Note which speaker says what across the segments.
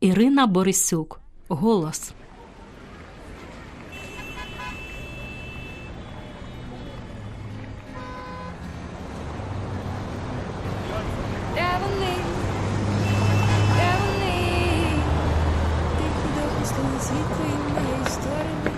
Speaker 1: Ірина Борисюк. Голос.
Speaker 2: Де вони? Де вони? Тихі допустили світло і моєї сторони.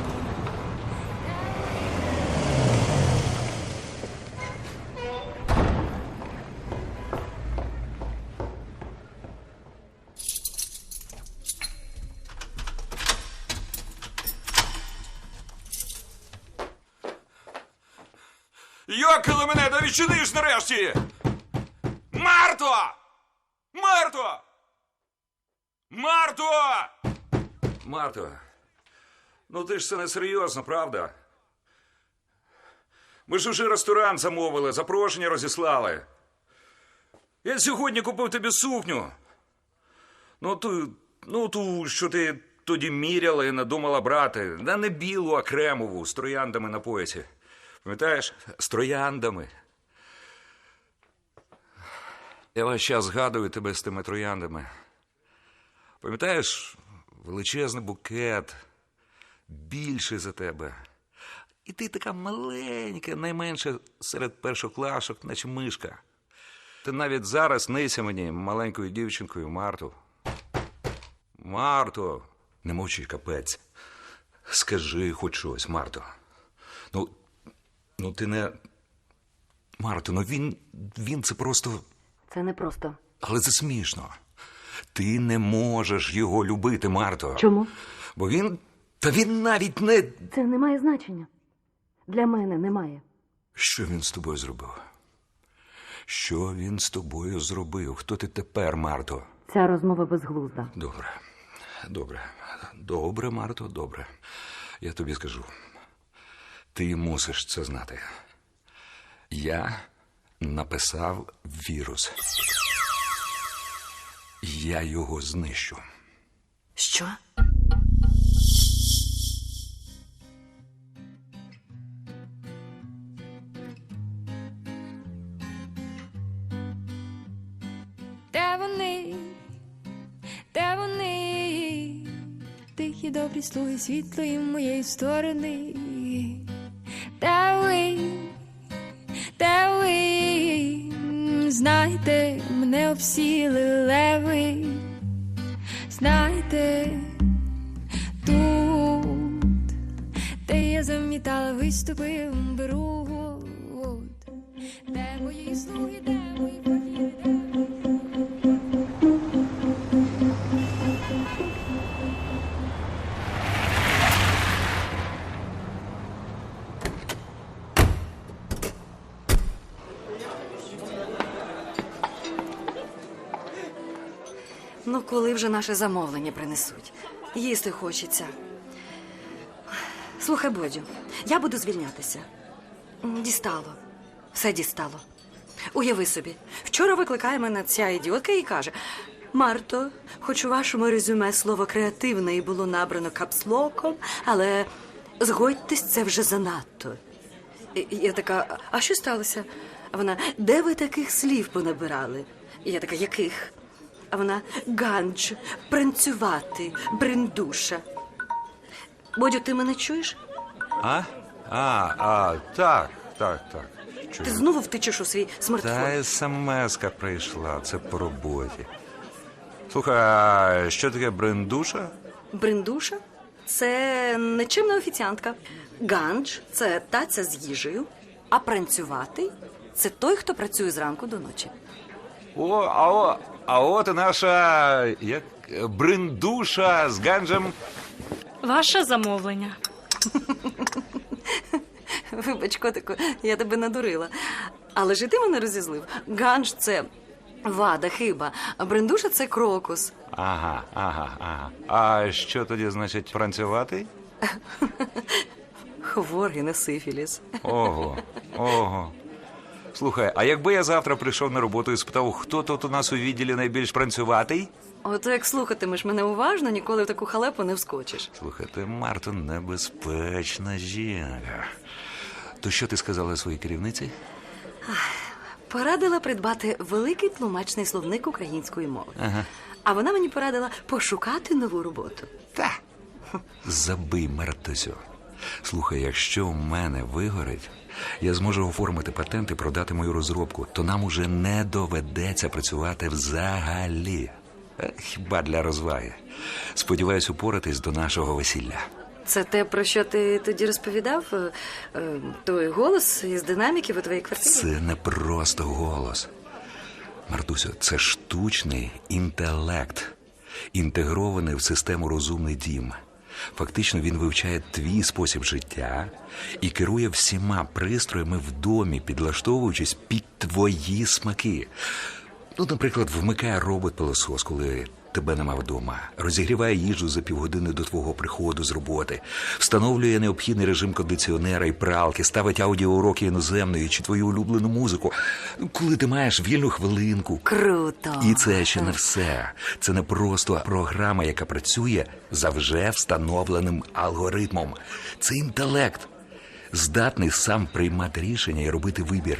Speaker 3: Йокали мене, да відчиниш нарешті! Марто! Марто! Марто! Марто, ну ти ж це не серйозно, правда? Ми ж уже ресторан замовили, запрошення розіслали. Я сьогодні купив тобі сукню. Ту, що ти тоді міряла і надумала брати. Да не білу, а кремову, з трояндами на поясі. Пам'ятаєш? З трояндами. Я весь час згадую тебе з тими трояндами. Пам'ятаєш, величезний букет, більший за тебе. І ти така маленька, найменша серед першоклашок, наче мишка. Ти навіть зараз снися мені маленькою дівчинкою, Марто. Марто, не мовчи, капець. Скажи хоч щось, Марто. Ну ти не... Марто, він це просто...
Speaker 4: Це не просто.
Speaker 3: Але це смішно. Ти не можеш його любити, Марто.
Speaker 4: Чому?
Speaker 3: Бо він... Та він навіть не...
Speaker 4: Це не має значення. Для мене немає.
Speaker 3: Що він з тобою зробив? Що він з тобою зробив? Хто ти тепер, Марто?
Speaker 4: Ця розмова безглузда.
Speaker 3: Добре, Марто, добре. Я тобі скажу. Ти мусиш це знати. Я написав вірус. Я його знищу.
Speaker 4: Що?
Speaker 2: Де вони? Де вони? Тихі добрі слуги світлої моєї сторони. Де ви? Де ви? Знайте, мене обсіли леви. Знайте, тут, де я замітала виступи, беру. Де мої слуги, де мої повіри, де мої...
Speaker 4: Ну, коли вже наше замовлення принесуть? Їсти хочеться. Слухай, Бодю, я буду звільнятися. Дістало. Все дістало. Уяви собі, вчора викликає мене ця ідіотка і каже: Марто, хоч у вашому резюме слово «креативний» було набрано капслоком, але згодьтесь, це вже занадто. І я така: а що сталося? А вона: де ви таких слів понабирали? І я така: яких? А вона: ганч, пранцювати, бриндуша. Бодю, ти мене чуєш?
Speaker 3: Так. Чую.
Speaker 4: Ти знову втичеш у свій смартфон.
Speaker 3: Та смс-ка прийшла, це по роботі. Слухай, а що таке брендуша?
Speaker 4: Бриндуша – це нечимна офіціантка. Ганч – це таця з їжею. А пранцювати – це той, хто працює зранку до ночі.
Speaker 3: А от і наша брендуша з ганджем.
Speaker 1: Ваше замовлення.
Speaker 4: Вибач, котику, я тебе надурила. Але ж і ти мене розізлив. Ганж – це вада, хиба, а бриндуша – це крокус.
Speaker 3: Ага. А що тоді значить пранцювати?
Speaker 4: Хворий на сифіліс.
Speaker 3: Ого. Слухай, а якби я завтра прийшов на роботу і спитав, хто тут у нас у відділі найбільш пранцюватий?
Speaker 4: Ото як слухатимеш мене уважно, ніколи в таку халепу не вскочиш.
Speaker 3: Слухай, ти, Марто, небезпечна жінка. То що ти сказала своїй керівниці?
Speaker 4: Порадила придбати великий тлумачний словник української мови.
Speaker 3: Ага.
Speaker 4: А вона мені порадила пошукати нову роботу.
Speaker 3: Та. Забий, Мартусю. Слухай, якщо в мене вигорить, я зможу оформити патент і продати мою розробку, то нам уже не доведеться працювати взагалі. Хіба для розваги. Сподіваюсь упоратись до нашого весілля.
Speaker 4: Це те, про що ти тоді розповідав? Той голос із динаміків у твоїй квартирі?
Speaker 3: Це не просто голос. Мартусю, це штучний інтелект, інтегрований в систему «Розумний дім». Фактично він вивчає твій спосіб життя і керує всіма пристроями в домі, підлаштовуючись під твої смаки. Ну, наприклад, вмикає робот-пилосос, коли тебе нема вдома, розігріває їжу за півгодини до твого приходу з роботи, встановлює необхідний режим кондиціонера і пралки, ставить аудіоуроки іноземної чи твою улюблену музику, коли ти маєш вільну хвилинку.
Speaker 4: Круто!
Speaker 3: І це ще не все. Це не просто програма, яка працює за вже встановленим алгоритмом. Це інтелект, здатний сам приймати рішення і робити вибір.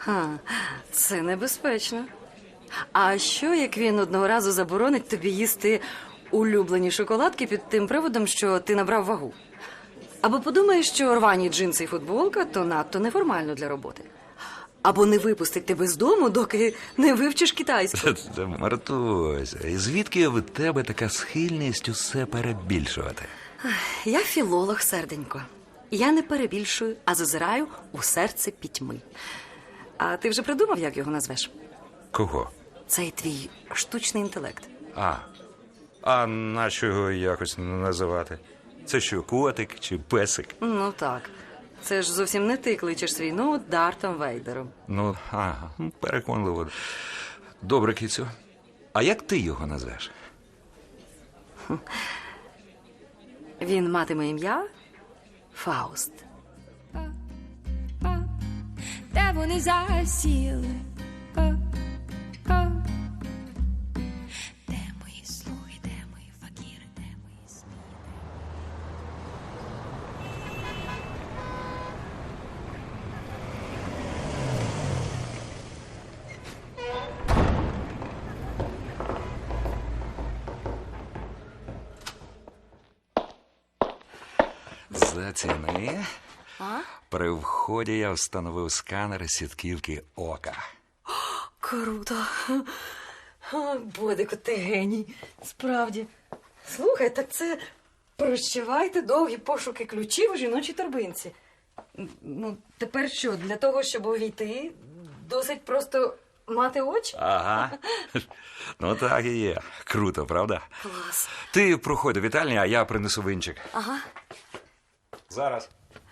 Speaker 4: Це небезпечно. А що, як він одного разу заборонить тобі їсти улюблені шоколадки під тим приводом, що ти набрав вагу? Або подумаєш, що рвані джинси і футболка – то надто неформально для роботи. Або не випустить тебе з дому, доки не вивчиш китайську.
Speaker 3: Мартусь, і звідки в тебе така схильність усе перебільшувати?
Speaker 4: Я філолог, серденько. Я не перебільшую, а зазираю у серце пітьми. А ти вже придумав, як його назвеш?
Speaker 3: Кого?
Speaker 4: Цей твій штучний інтелект.
Speaker 3: А нащо його якось називати? Це що, котик чи песик?
Speaker 4: Ну так. Це ж зовсім не ти кличеш свій ноут Дартом Вейдером.
Speaker 3: Ну, переконливо. Добре, кицю. А як ти його назвеш?
Speaker 4: Він матиме ім'я Фауст.
Speaker 2: Де вони засіли? Де мої слуги, де мої факіри, де мої сміли?
Speaker 3: Заціни. При вході я встановив сканер сітківки ока.
Speaker 4: Круто. Бодику, ти геній. Справді. Слухай, так це прощавайте довгі пошуки ключів у жіночій торбинці. Ну, тепер що, для того, щоб увійти, досить просто мати очі?
Speaker 3: Ага. Ну так і є. Круто, правда?
Speaker 4: Клас.
Speaker 3: Ти проходь до вітальні, а я принесу винчик.
Speaker 4: Ага.
Speaker 3: Зараз.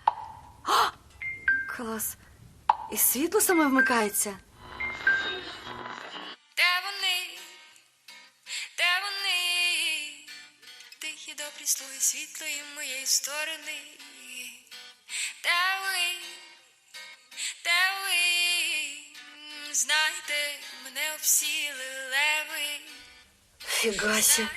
Speaker 4: Клас. І світло саме вмикається.
Speaker 2: Де вони? Де вони? Тихі добрі слуги світлої моєї сторони. Де ви? Де ви? Знайте, мене обсіли леви.
Speaker 4: Фігасі.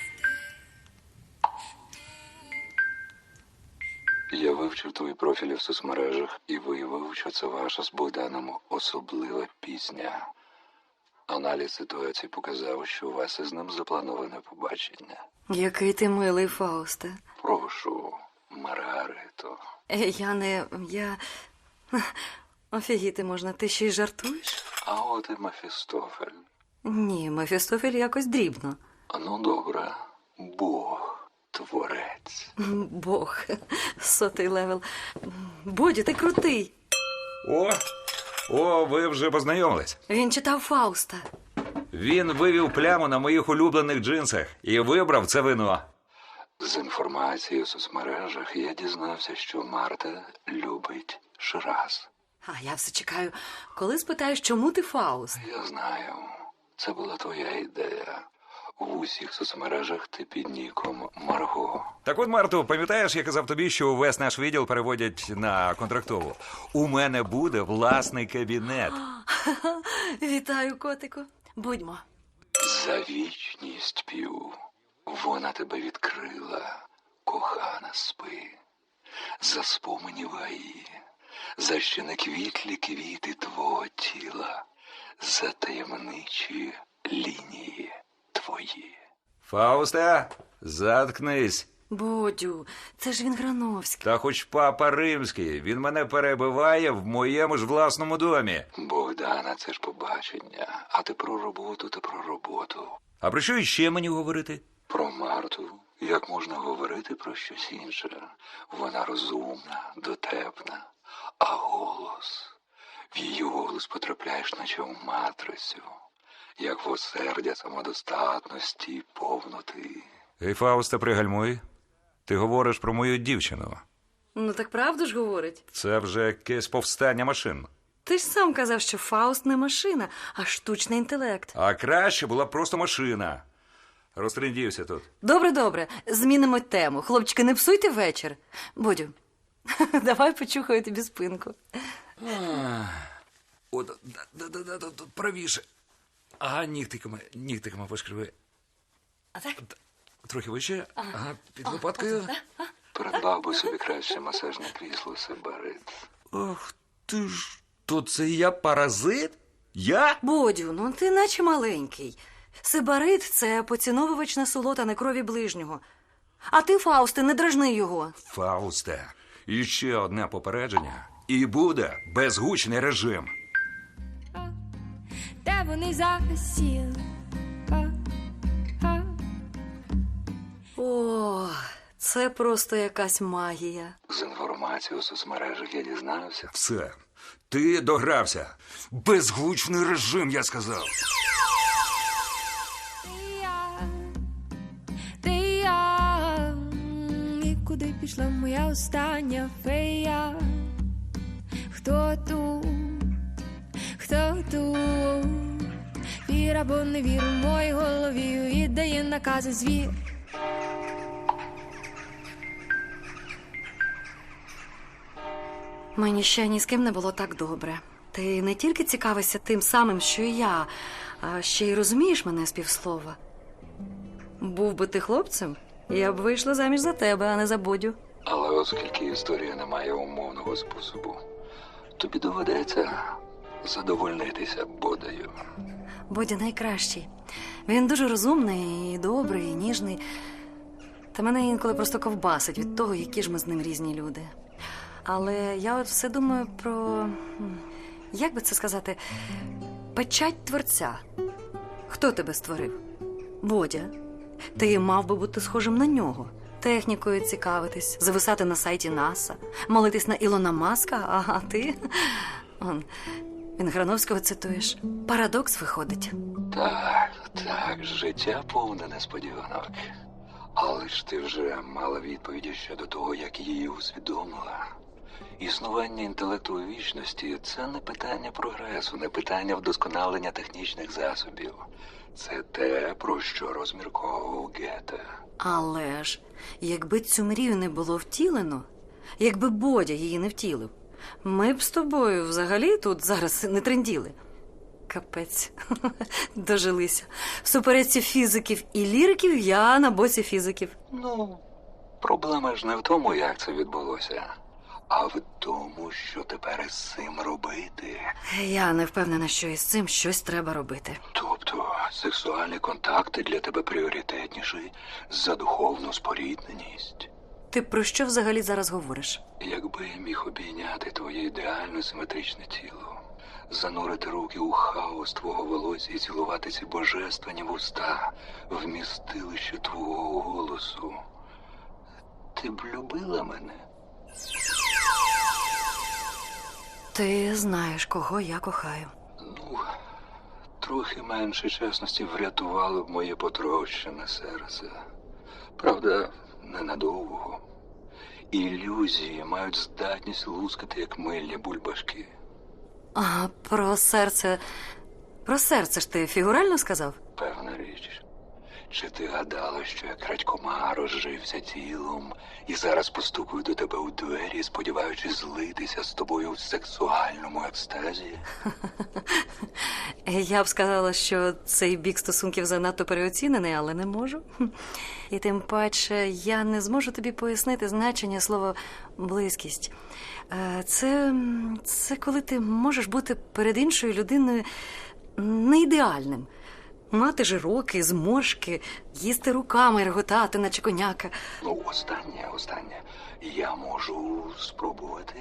Speaker 3: Я вивчив твої профілі в соцмережах і виявив, що це ваша з Богданом особлива пісня. Аналіз ситуації показав, що у вас із ним заплановане побачення.
Speaker 4: Який ти милий, Фаусте.
Speaker 3: Прошу, Маргарито.
Speaker 4: Я... Офігіти можна, ти ще й жартуєш?
Speaker 3: А от і Мефістофель.
Speaker 4: Ні, Мефістофель якось дрібно.
Speaker 3: Ну, добре. Бог, творець.
Speaker 4: Бог, 100-й левел. Бодю, ти крутий.
Speaker 3: О, ви вже познайомились.
Speaker 4: Він читав Фауста.
Speaker 3: Він вивів пляму на моїх улюблених джинсах і вибрав це вино. З інформації у соцмережах я дізнався, що Марта любить Шираз.
Speaker 4: А я все чекаю, коли спитаєш, чому ти Фауст?
Speaker 3: Я знаю, це була твоя ідея. В усіх соцмережах ти під ніком Марго. Так от, Марто, пам'ятаєш, я казав тобі, що увесь наш відділ переводять на контрактову? У мене буде власний кабінет.
Speaker 4: Вітаю, котику. Будьмо.
Speaker 3: За вічність п'ю. Вона тебе відкрила, кохана, спи. За спомені гаї, за ще не квітлі квіти твого тіла, за таємничі лінії твої. Фаусте, заткнись.
Speaker 4: Бодю, це ж він Грановський.
Speaker 3: Та хоч папа римський, він мене перебиває в моєму ж власному домі. Богдана, це ж побачення, а ти про роботу та про роботу. А про що іще мені говорити? Про Марту. Як можна говорити про щось інше? Вона розумна, дотепна, а голос... В її голос потрапляєш, наче в матрицю, як в осердя самодостатності й повноти. Ей, Фаусте, пригальмуй. Ти говориш про мою дівчину.
Speaker 4: Ну так правду ж говорить.
Speaker 3: Це вже якесь повстання машин.
Speaker 4: Ти ж сам казав, що Фауст не машина, а штучний інтелект.
Speaker 3: А краще була б просто машина. Розтрендівся тут.
Speaker 4: Добре, змінимо тему. Хлопчики, не псуйте вечір. Бодю, давай почухаю тобі спинку.
Speaker 3: О, тут правіше. Ага, нігтиками пошкриви.
Speaker 4: А так?
Speaker 3: Трохи вище. Ага, під лопаткою. Придбав би собі краще масажне крісло Сибарит. Ах ти ж, то це я паразит? Я?
Speaker 4: Бодю, ну ти наче маленький. Сибарит – це поціновувач насолод, а не крові ближнього. А ти, Фаусте, не дражни його.
Speaker 3: Фаусте, іще одне попередження. І буде безгучний режим.
Speaker 2: Де вони засіли?
Speaker 4: О, це просто якась магія.
Speaker 3: З інформації у соцмережах я дізнався. Все, ти догрався. Безгучний режим, я сказав.
Speaker 2: Ти я, і куди пішла моя остання фея? Хто тут? Хто тут? Вір або не вір у моїй голові віддає накази звір.
Speaker 4: Мені ще ні з ким не було так добре. Ти не тільки цікавишся тим самим, що і я, а ще й розумієш мене з півслова. Був би ти хлопцем, я б вийшла заміж за тебе, а не за Бодю.
Speaker 3: Але оскільки історія не має умовного способу, тобі доведеться задовольнитися Бодею.
Speaker 4: Бодя найкращий. Він дуже розумний, і добрий, і ніжний. Та мене інколи просто ковбасить від того, які ж ми з ним різні люди. Але я от все думаю про, як би це сказати, печать творця. Хто тебе створив? Бодя. Ти мав би бути схожим на нього. Технікою цікавитись, зависати на сайті НАСА, молитись на Ілона Маска, а ти... Він Грановського цитуєш. Парадокс виходить.
Speaker 3: Так, життя повне несподіванок. Але ж ти вже мала відповіді щодо того, як її усвідомила. Існування інтелекту у вічності – це не питання прогресу, не питання вдосконалення технічних засобів. Це те, про що розмірковував Гете.
Speaker 4: Але ж, якби цю мрію не було втілено, якби Бодя її не втілив, ми б з тобою взагалі тут зараз не тренділи. Капець, дожилися. В суперечці фізиків і ліриків я на боці фізиків.
Speaker 3: Ну, проблема ж не в тому, як це відбулося, а в тому, що тепер із цим робити.
Speaker 4: Я не впевнена, що із цим щось треба робити.
Speaker 3: Тобто, сексуальні контакти для тебе пріоритетніші за духовну спорідненість.
Speaker 4: Ти про що взагалі зараз говориш?
Speaker 3: Якби я міг обійняти твоє ідеально симетричне тіло, занурити руки у хаос твого волосся і цілувати ці божественні вуста, вмістилище твого голосу, ти б любила мене?
Speaker 4: Ти знаєш, кого я кохаю.
Speaker 3: Ну, трохи менше чесності врятувало б моє потрощене серце. Правда, ненадовго. Ілюзії мають здатність лускати, як мильні бульбашки.
Speaker 4: А про серце... Про серце ж ти фігурально сказав?
Speaker 3: Певна річ. Чи ти гадала, що я крадькома розжився тілом і зараз постукую до тебе у двері, сподіваючись злитися з тобою в сексуальному екстазі?
Speaker 4: Я б сказала, що цей бік стосунків занадто переоцінений, але не можу. І тим паче я не зможу тобі пояснити значення слова «близькість». Це коли ти можеш бути перед іншою людиною не ідеальним. Мати жироки, зморшки, їсти руками, реготати, наче коняка.
Speaker 3: Ну, останнє. Я можу спробувати.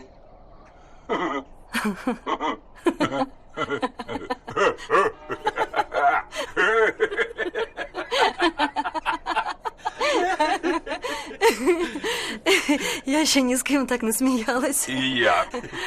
Speaker 4: Я ще ні з ким так не сміялась.
Speaker 3: І я.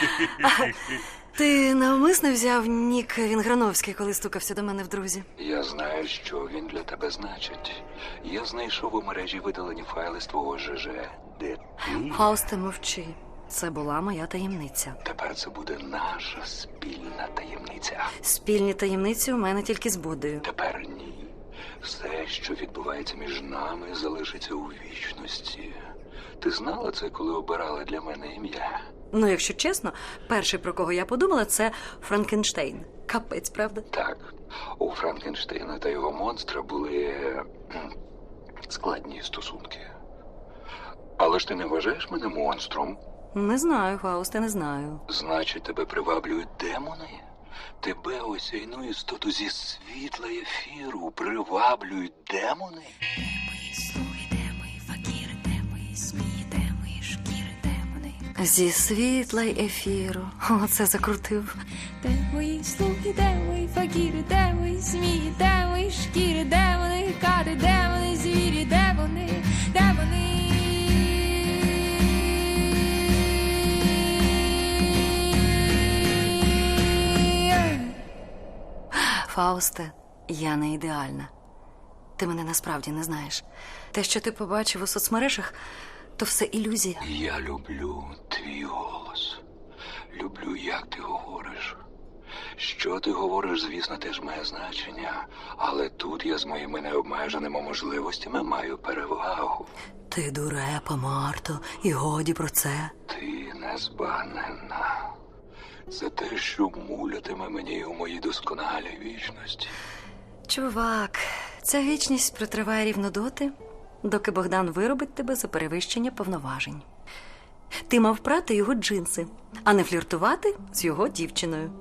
Speaker 4: Ти навмисно взяв нік Вінграновський, коли стукався до мене в друзі?
Speaker 3: Я знаю, що він для тебе значить. Я знайшов у мережі видалені файли з твого ЖЖ. Де ти?
Speaker 4: Фаусте, мовчи. Це була моя таємниця.
Speaker 3: Тепер це буде наша спільна таємниця.
Speaker 4: Спільні таємниці у мене тільки з Бодою.
Speaker 3: Тепер ні. Все, що відбувається між нами, залишиться у вічності. Ти знала це, коли обирала для мене ім'я?
Speaker 4: Ну, якщо чесно, перший, про кого я подумала, це Франкенштейн. Капець, правда?
Speaker 3: Так, у Франкенштейна та його монстра були складні стосунки. Але ж ти не вважаєш мене монстром?
Speaker 4: Не знаю, Фаусте, не знаю.
Speaker 3: Значить, тебе приваблюють демони? Тебе, осяйну істоту зі світла ефіру, приваблюють демони?
Speaker 2: Мої слуги, де мої факіри, де мої змії, де мої шкіри, демони.
Speaker 4: Зі світла й ефіру. Оце закрутив.
Speaker 2: Де мої слуги, де мої факіри, де мої змії, де мої шкіри, де вони кади, де вони звірі, де вони, де вони.
Speaker 4: Фаусте, я не ідеальна. Ти мене насправді не знаєш. Те, що ти побачив у соцмережах, то все ілюзія.
Speaker 3: Я люблю твій голос. Люблю, як ти говориш. Що ти говориш, звісно, теж має значення. Але тут я з моїми необмеженими можливостями маю перевагу.
Speaker 4: Ти дурепа, Марто, і годі про це.
Speaker 3: Ти незбагненна. Це те, що мулятиме мені у моїй досконалій вічності.
Speaker 4: Чувак, ця вічність протриває рівно доти, доки Богдан виробить тебе за перевищення повноважень. Ти мав прати його джинси, а не фліртувати з його дівчиною.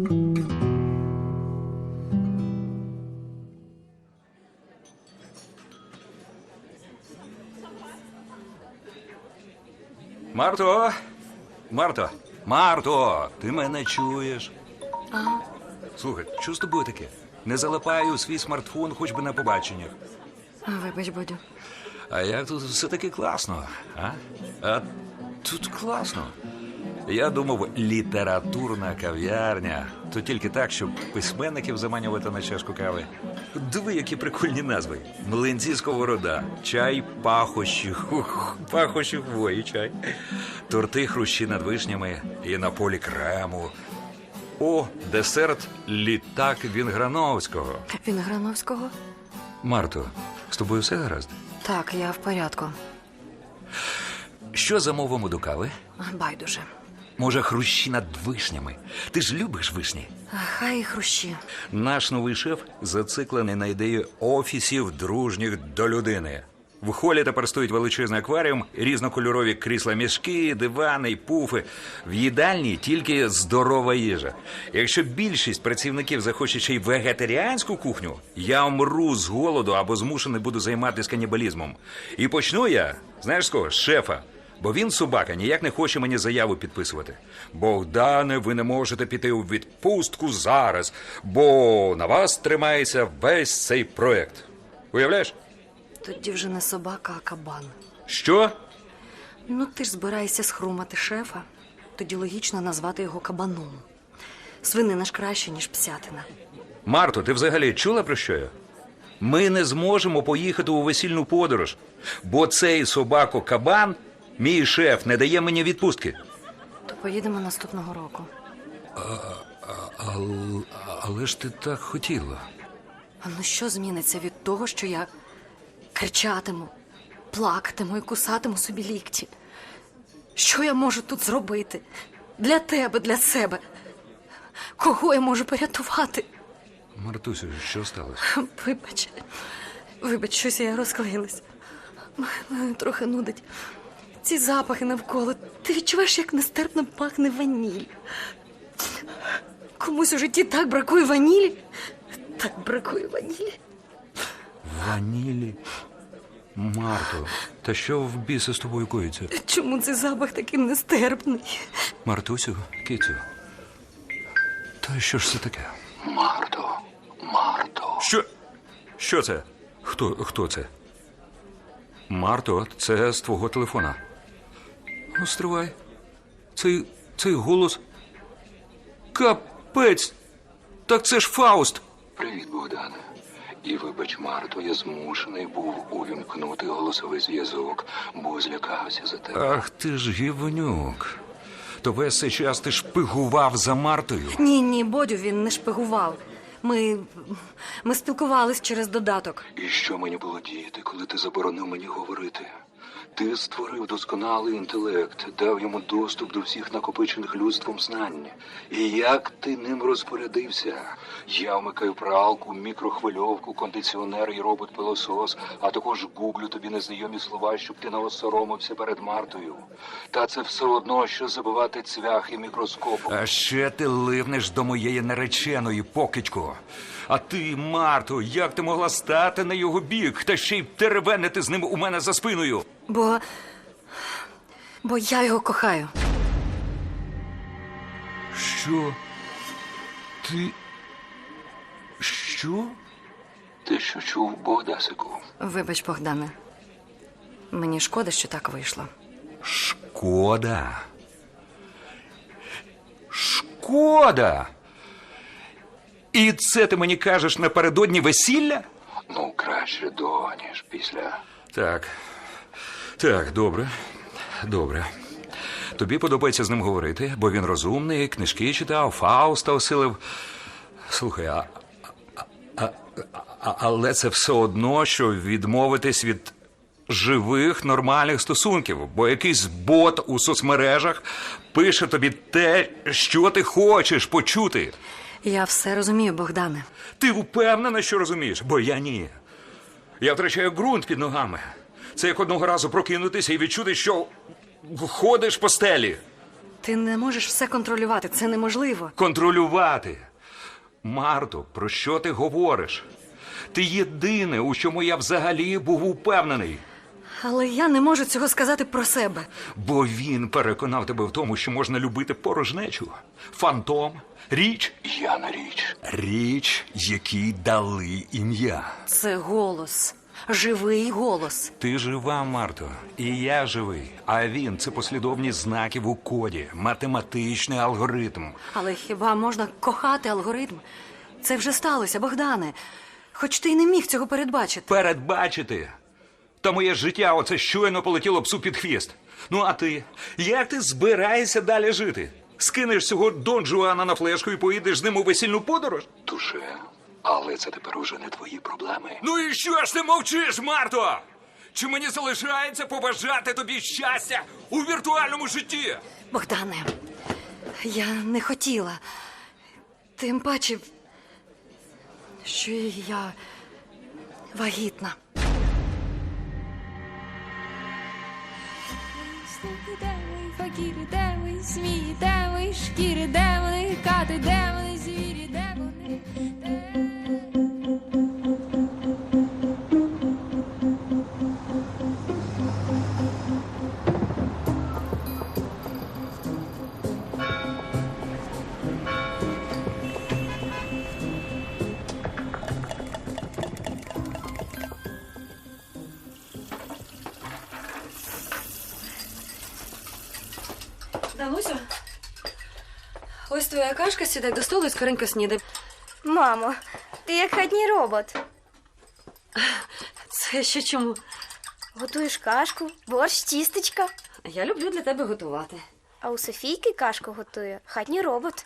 Speaker 3: Марто! Марто! Марто! Ти мене чуєш? Слухай, що з тобою таке? Не залипаю у свій смартфон хоч би на побаченнях.
Speaker 4: Вибач, Бодю.
Speaker 3: А як тут все-таки класно, а? А тут класно. Я думав, літературна кав'ярня. То тільки так, щоб письменників заманювати на чашку кави. Диви, які прикольні назви. Млинці сковорода, чай пахощі, пахощі хвої чай. Торти хрущі над вишнями і на полі крему. О, десерт літак Вінграновського.
Speaker 4: Вінграновського?
Speaker 3: Марто, з тобою все гаразд?
Speaker 4: Так, я в порядку.
Speaker 3: Що замовимо до кави?
Speaker 4: Байдуже.
Speaker 3: Може, хрущі над вишнями? Ти ж любиш вишні?
Speaker 4: Хай і хрущі.
Speaker 3: Наш новий шеф зациклений на ідеї офісів дружніх до людини. В холі тепер стоїть величезний акваріум, різнокольорові крісла-мішки, дивани й пуфи. В їдальні тільки здорова їжа. Якщо більшість працівників захоче ще й вегетаріанську кухню, я умру з голоду або змушений буду займатися канібалізмом. І почну я, знаєш з кого? З шефа. Бо він, собака, ніяк не хоче мені заяву підписувати. Богдане, ви не можете піти у відпустку зараз, бо на вас тримається весь цей проект. Уявляєш?
Speaker 4: Тоді вже не собака, а кабан.
Speaker 3: Що?
Speaker 4: Ну, ти ж збираєшся схрумати шефа. Тоді логічно назвати його кабаном. Свинина ж краще, ніж псятина.
Speaker 3: Марто, ти взагалі чула про що я? Ми не зможемо поїхати у весільну подорож, бо цей собако-кабан, мій шеф, не дає мені відпустки.
Speaker 4: То поїдемо наступного року.
Speaker 3: Але ж ти так хотіла.
Speaker 4: А ну що зміниться від того, що я кричатиму, плакатиму і кусатиму собі лікті? Що я можу тут зробити? Для тебе, для себе. Кого я можу порятувати?
Speaker 3: Мартусю, що сталося?
Speaker 4: Вибач, щось я розклеїлась. Мене трохи нудить. Ці запахи навколо. Ти відчуваєш, як нестерпно пахне ваніль. Комусь у житті так бракує ванілі. Так бракує ванілі.
Speaker 3: Ванілі? Марто, та що в біса з тобою коїться?
Speaker 4: Чому цей запах такий нестерпний?
Speaker 3: Мартусю, кицю. Та що ж це таке?
Speaker 5: Марто.
Speaker 3: Що? Що це? Хто це? Марто, це з твого телефона. Ну, стривай. Цей голос. Капець! Так це ж Фауст!
Speaker 5: Привіт, Богдане. І вибач, Марто, я змушений був увімкнути голосовий зв'язок, бо злякався за тебе.
Speaker 3: Ах ти ж гівнюк. То весь цей час ти шпигував за Мартою?
Speaker 4: Ні, Бодю, він не шпигував. Ми спілкувались через додаток.
Speaker 5: І що мені було діяти, коли ти заборонив мені говорити? Ти створив досконалий інтелект, дав йому доступ до всіх накопичених людством знань. І як ти ним розпорядився? Я вмикаю пралку, мікрохвильовку, кондиціонер і робот-пилосос, а також гуглю тобі незнайомі слова, щоб ти не осоромився перед Мартою. Та це все одно, що забивати цвяхи мікроскопом.
Speaker 3: А ще ти ливнеш до моєї нареченої, покидько. А ти, Марто, як ти могла стати на його бік, та ще й теревенити з ним у мене за спиною?
Speaker 4: Бо я його кохаю.
Speaker 3: Що? Ти... Що?
Speaker 5: Ти що чув, Богдасику?
Speaker 4: Вибач, Богдане. Мені шкода, що так вийшло.
Speaker 3: Шкода? Шкода? І це ти мені кажеш напередодні весілля?
Speaker 5: Ну, краще до, ніж після.
Speaker 3: Так, добре. Тобі подобається з ним говорити, бо він розумний, книжки читав, Фауста осилив. Слухай, але це все одно, що відмовитись від живих, нормальних стосунків, бо якийсь бот у соцмережах пише тобі те, що ти хочеш почути.
Speaker 4: Я все розумію, Богдане.
Speaker 3: Ти впевнена, що розумієш? Бо я ні. Я втрачаю ґрунт під ногами. Це як одного разу прокинутися і відчути, що ходиш по стелі.
Speaker 4: Ти не можеш все контролювати, це неможливо.
Speaker 3: Контролювати. Марто, про що ти говориш? Ти єдине, у чому я взагалі був упевнений.
Speaker 4: Але я не можу цього сказати про себе.
Speaker 3: Бо він переконав тебе в тому, що можна любити порожнечу. Фантом. Річ.
Speaker 5: Я на річ.
Speaker 3: Річ, якій дали ім'я.
Speaker 4: Це голос. Живий голос.
Speaker 3: Ти жива, Марто, і я живий. А він – це послідовність знаків у коді, математичний алгоритм.
Speaker 4: Але хіба можна кохати алгоритм? Це вже сталося, Богдане. Хоч ти й не міг цього передбачити.
Speaker 3: Передбачити? Та моє життя оце щойно полетіло псу під хвіст. Ну а ти? Як ти збираєшся далі жити? Скинеш цього Дон Жуана на флешку і поїдеш з ним у весільну подорож?
Speaker 5: Туше, але це тепер уже не твої проблеми.
Speaker 3: Ну і що ж ти мовчиш, Марто? Чи мені залишається побажати тобі щастя у віртуальному житті?
Speaker 4: Богдане, я не хотіла. Тим паче, що я вагітна.
Speaker 2: Слухи, де ви, факіри, де ви, змії, де ви, шкіри, де вони, кати, де вони, звірі, де вони,
Speaker 4: Данусю, ось твоя кашка, сідай до столу і скоренько снідай.
Speaker 6: Мамо, ти як хатній робот.
Speaker 4: Це ще чому?
Speaker 6: Готуєш кашку, борщ, тістечка.
Speaker 4: Я люблю для тебе готувати.
Speaker 6: А у Софійки кашку готує хатній робот.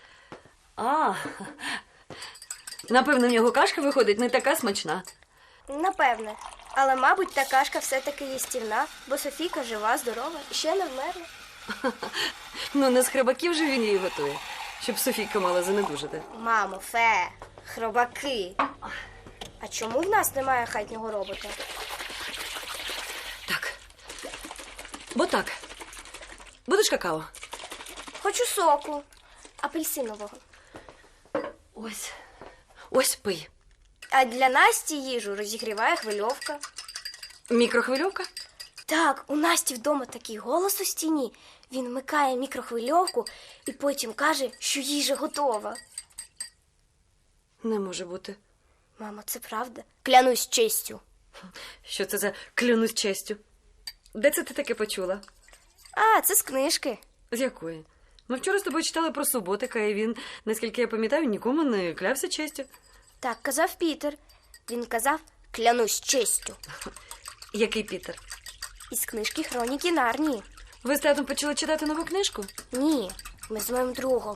Speaker 4: Напевно, в нього кашка виходить не така смачна.
Speaker 6: Напевне. Але, мабуть, та кашка все-таки їстівна, бо Софійка жива, здорова і ще не вмерла.
Speaker 4: Ну, не з хребаків же він її готує, щоб Софійка мала занедужити.
Speaker 6: Мамо, фе, хробаки. А чому в нас немає хатнього робота?
Speaker 4: Так. Бо так. Будеш какао?
Speaker 6: Хочу соку. Апельсинового.
Speaker 4: Ось пий.
Speaker 6: А для Насті їжу розігріває хвильовка.
Speaker 4: Мікрохвильовка?
Speaker 6: Так, у Насті вдома такий голос у стіні. Він вмикає мікрохвильовку і потім каже, що їжа готова.
Speaker 4: Не може бути.
Speaker 6: Мамо, це правда? Клянусь честю.
Speaker 4: Що це за клянусь честю? Де це ти таке почула?
Speaker 6: А, це з книжки.
Speaker 4: З якої? Ми вчора з тобою читали про Суботика, і він, наскільки я пам'ятаю, нікому не клявся честю.
Speaker 6: Так казав Пітер. Він казав, клянусь честю.
Speaker 4: Який Пітер?
Speaker 6: Із книжки Хроніки Нарнії.
Speaker 4: Ви з татом почали читати нову книжку?
Speaker 6: Ні, ми з моїм другом.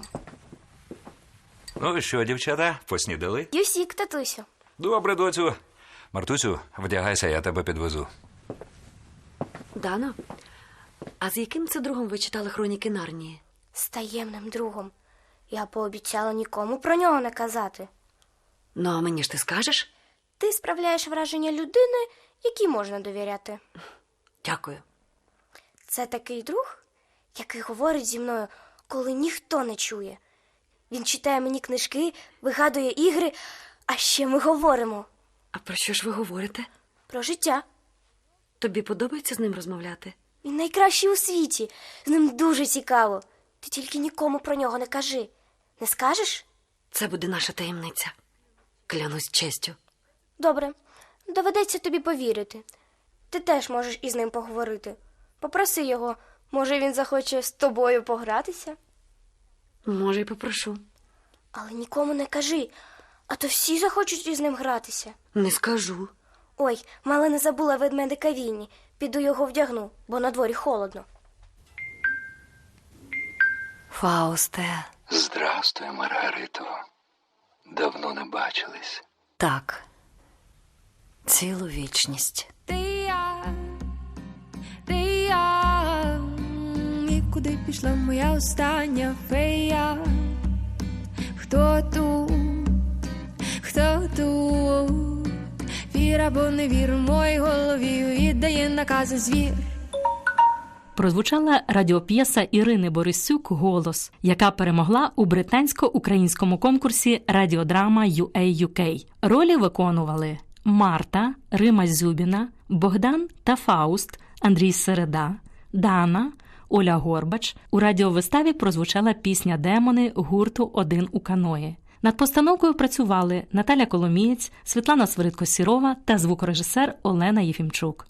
Speaker 3: Ну що, дівчата, поснідали?
Speaker 6: Юсік, татусю.
Speaker 3: Добре, доцю. Мартусю, вдягайся, я тебе підвезу.
Speaker 4: Дано, а з яким це другом ви читали Хроніки Нарнії?
Speaker 6: З таємним другом. Я пообіцяла нікому про нього не казати.
Speaker 4: Ну, а мені ж ти скажеш?
Speaker 6: Ти справляєш враження людини, якій можна довіряти.
Speaker 4: Дякую.
Speaker 6: Це такий друг, який говорить зі мною, коли ніхто не чує. Він читає мені книжки, вигадує ігри, а ще ми говоримо
Speaker 4: А про що ж ви говорите?
Speaker 6: про життя.
Speaker 4: Тобі подобається з ним розмовляти?
Speaker 6: Він найкращий у світі. З ним дуже цікаво. Ти тільки нікому про нього не кажи. Не скажеш?
Speaker 4: Це буде наша таємниця. Клянусь честю.
Speaker 6: Добре, доведеться тобі повірити. Ти теж можеш із ним поговорити. Попроси його, може він захоче з тобою погратися.
Speaker 4: Може, й попрошу.
Speaker 6: Але нікому не кажи, а то всі захочуть із ним гратися.
Speaker 4: Не скажу.
Speaker 6: Ой, мало не забула ведмедика Вінні. Піду його вдягну, бо на дворі холодно.
Speaker 4: Фаусте.
Speaker 5: Здрастуй, Маргарито. Давно не бачились.
Speaker 4: Так. Цілу вічність.
Speaker 2: Ти я, і куди пішла моя остання фея? Хто тут? Вір або не вір, в моїй голові віддає накази звір.
Speaker 1: Прозвучала радіоп'єса Ірини Борисюк «Голос», яка перемогла у британсько-українському конкурсі «Радіодрама UA UK». Ролі виконували Марта, Рима Зюбіна, Богдан та Фауст, Андрій Середа, Дана, Оля Горбач. У радіовиставі прозвучала пісня «Демони» гурту «Один у каної». Над постановкою працювали Наталя Коломієць, Світлана Свиридко-Сірова та звукорежисер Олена Єфімчук.